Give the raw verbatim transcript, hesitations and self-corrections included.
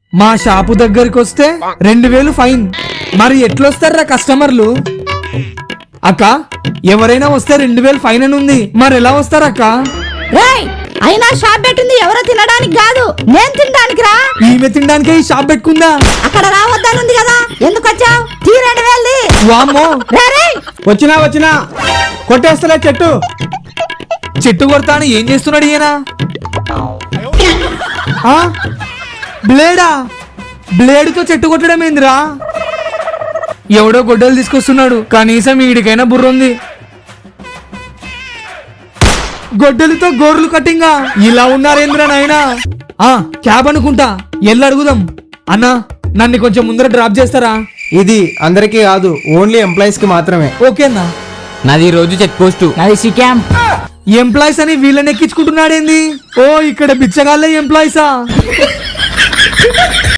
మా షాపు దగ్గరికి వస్తే రెండు వేలు ఫైన్. మరి ఎట్లొస్తారా కస్టమర్లు? అక్క ఎవరైనా వస్తే రెండు వేలు ఫైన్ అని ఉంది, మరి ఎలా వస్తారక్క? రేయ్, అయినా షాప్ పెట్టింది ఎవరో తినడానికి కాదు, నేను తినడానికి రా. ఈమె తినడానికే ఈ షాప్ పెట్టుకుందా? అక్కడ రావద్దనుంది కదా, ఎందుకు వచ్చావు? తీ రెండు వేలు. వామ్మో, వచ్చినా వచ్చినా కొట్టేస్తలే చెట్టు. చెట్టు కొడతాను ఏం చేస్తున్నాడు ఈయన? ఆ? బ్లేడా? బ్లేడుతో చెట్టు కొట్టడం ఏందిరా? ఎవడో గొడ్డలు తీసుకొస్తున్నాడు, కనీసం వీడికైనా బుర్ర ఉంది. గొడ్డలితో గోర్లు కట్టింగా ఇలా ఉన్నారేంద్రా నాయనా? ఆ క్యాబ్ అనుకుంటా, ఎల్లు అడుగుదాం. అన్నా నన్ను కొంచెం ముందర డ్రాప్ చేస్తారా? ఇది అందరికీ కాదు, ఓన్లీ ఎంప్లాయీస్ కి మాత్రమే. ఓకేనా? నాది రోజు చెక్ పోస్ట్. నాది సిక్యామ్. ఎంప్లాయీస్ అని వీళ్ళని ఎక్కించుకుంటున్నాడేంది? ఓ ఇక్కడ బిచ్చగాళ్ళే ఎంప్లాయీసా?